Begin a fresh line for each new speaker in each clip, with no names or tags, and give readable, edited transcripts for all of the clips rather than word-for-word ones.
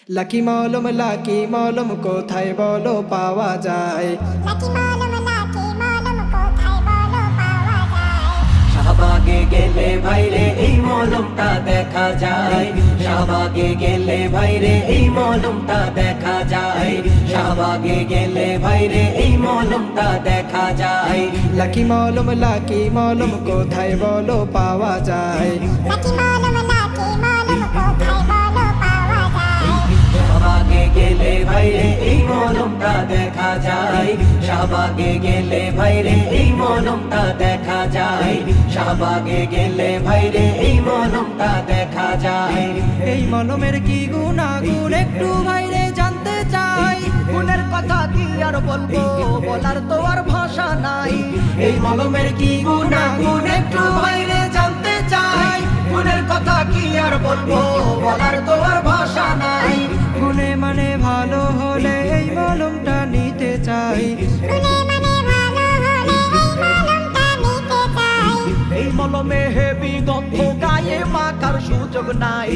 Lucky মলম কোথায় বলো পাওয়া যায়?
শাহবাগে গেলে ভাইরে এই মলমটা দেখা যায়। শাহবাগে গেলে ভাইরে এই মলমটা দেখা যায়। শাহবাগে গেলে ভাইরে এই মলমটা দেখা যায়।
লাকি মলম কোথায় বলো পাওয়া যায়?
শাহবাগে গেলে ভাইরে এই মলমটা দেখা যায়। শাহবাগে গেলে ভাইরে এই মলমটা দেখা যায়। শাহবাগে গেলে ভাইরে এই মলমটা দেখা যায়।
এই মলমের কি গুণাগুণ একটু ভাইরে জানতে চাই।
গুণের কথা কি আর বলবো, বলার তো আর ভাষা নাই। এই মলমের কি গুণাগুণ একটু ভাইরে জানতে চাই। গুণের কথা কি আর বলবো, বলার তো আর ভাষা নাই।
গুণে মানে ভালো হলে এই মলমটা নিতে চাই।
এই মলমে হেবি গন্ধ, গায়ে মাখার সুযোগ নাই।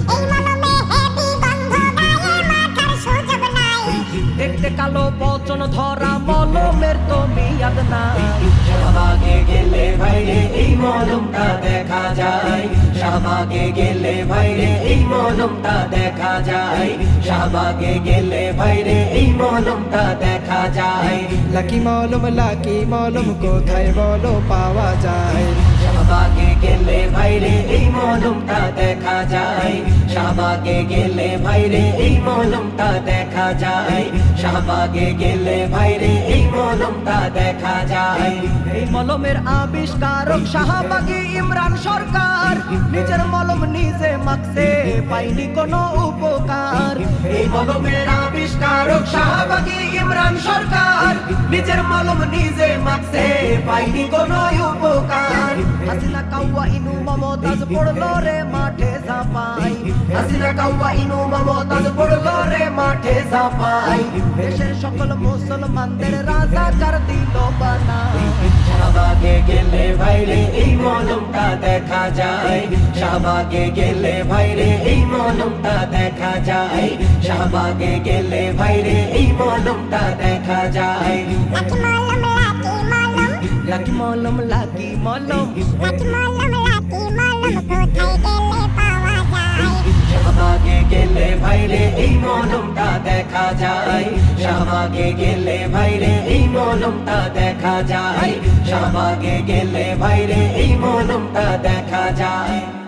দেখতে কালো বচন ধরা মলমের তো মিয়াদ নাই। শাহবাগে গেলে ভাইরে এই মলমটা দেখা যায়। শাহবাগে গেলে ভাইরে এই মলমটা দেখা যায়। শাহবাগে গেলে ভাইরে এই মলমটা দেখা যায়।
লাকি মলম কোথায় বলো পাওয়া যায়?
শাহবাগে গেলে ভাইরে এই মলমটা দেখা যায়। শাহবাগে গেলে ভাইরে এই মলমটা দেখা যায়। শাহবাগে গেলে ভাইরে এই মলমটা দেখা যায়। এই মলমের আবিষ্কারক শাহবাগী ইমরান সরকার। নিজের মলম নিজে মাখছে, পাইনি কোনো উপকার। এই মলমের আবিষ্কারক শাহবাগী ইমরান সরকার। নিজের মলম নিজে মাখছে, পাইনি কোনো উপকার। হাসিনা কাউয়া ইনু মমতাজ পড়লো রে মাঠে ঝাঁপাই। হাসিনা কাউয়া ইনু মমতাজ পড়লো রে মাঠে ঝাঁপাই। দেশের সকল মুসলমানদের রাজাকার দিল বানাই। শাহবাগে গেলে ভাইরে এই মলমটা দেখা যায়। শাহবাগে গেলে ভাইরে এই মলমটা দেখা যায়। শাহবাগে গেলে ভাইরে এই মলমটা দেখা যায়। লাকি মলম শাহবাগে গেলে ভাইরে এই মলমটা দেখা যায়। শাহবাগে গেলে ভাইরে এই মলমটা দেখা যায়। শাহবাগে গেলে ভাইরে এই মলমটা দেখা যায়।